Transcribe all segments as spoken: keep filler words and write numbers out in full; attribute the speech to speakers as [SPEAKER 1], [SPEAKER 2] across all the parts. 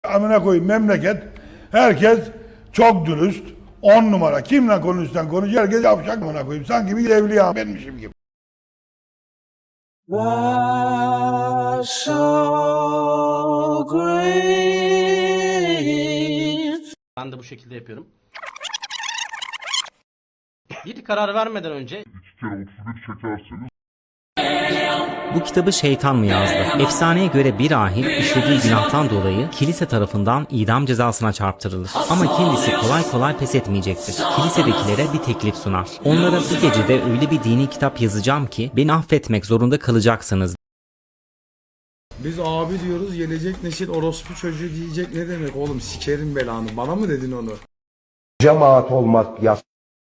[SPEAKER 1] Amına koyayım memleket. Herkes çok dürüst. On numara. Kimle konuşsan konuş. Herkes yavşak amına koyayım. Sanki bir evliya benmişim gibi.
[SPEAKER 2] So great.
[SPEAKER 3] Ben de bu şekilde yapıyorum. Bir karar vermeden önce
[SPEAKER 4] İki kere otuz bir çekerseniz
[SPEAKER 5] Bu kitabı şeytan mı yazdı? Efsaneye göre bir rahip işlediği günahtan dolayı kilise tarafından idam cezasına çarptırılır. Ama kendisi kolay kolay pes etmeyecektir. Kilisedekilere bir teklif sunar. Onlara bir gecede öyle bir dini kitap yazacağım ki beni affetmek zorunda kalacaksınız.
[SPEAKER 6] Biz abi diyoruz, gelecek nesil orospu çocuğu diyecek. Ne demek oğlum, sikerim belanı, bana mı dedin onu?
[SPEAKER 7] Cemaat olmak yas.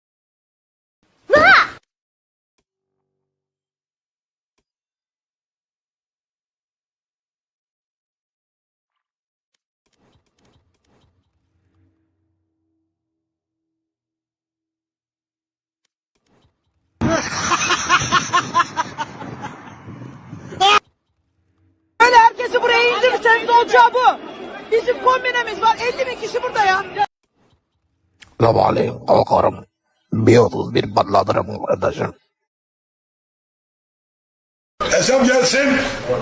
[SPEAKER 8] Böyle herkesi buraya indirirseniz olacağı bu. Bizim kombinemiz var. elli bin kişi burada ya.
[SPEAKER 7] Sabahleyin kalkarım. Bir otuz bir patlatırım kardeşim.
[SPEAKER 1] Hesap gelsin.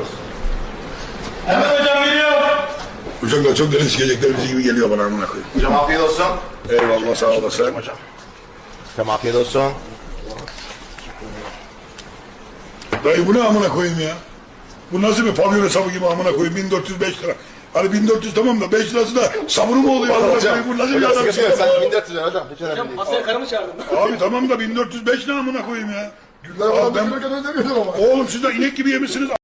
[SPEAKER 9] Hemen hocam geliyor.
[SPEAKER 1] Uçaklar çok deniz sikecekler bizi gibi geliyor bana amına koyayım.
[SPEAKER 9] Hocam afiyet olsun.
[SPEAKER 1] Eyvallah sağ olasın.
[SPEAKER 9] Hocam afiyet olsun.
[SPEAKER 1] Dayı bu ne amına koyayım ya? Bu nasıl bir pavyon hesabı gibi amına koyayım bin dört yüz beş lira. Hani bin dört yüz tamam da beş lirası da sabunu mu oluyor amına
[SPEAKER 9] Hocam,
[SPEAKER 1] koyayım? Bu nasıl bir
[SPEAKER 9] hocam
[SPEAKER 1] adam
[SPEAKER 9] sıkıntı yok.
[SPEAKER 1] şey?
[SPEAKER 9] Sen bin dört yüz lira hocam. Hiç önemli değil.
[SPEAKER 3] masaya karımı çağırdım.
[SPEAKER 1] Abi tamam da bin dört yüz beş lira amına koyayım ya.
[SPEAKER 9] Güller
[SPEAKER 1] Abi
[SPEAKER 9] falan
[SPEAKER 1] ben-
[SPEAKER 9] ben... ödemiyordum ama.
[SPEAKER 1] Oğlum siz de inek gibi yemişsiniz.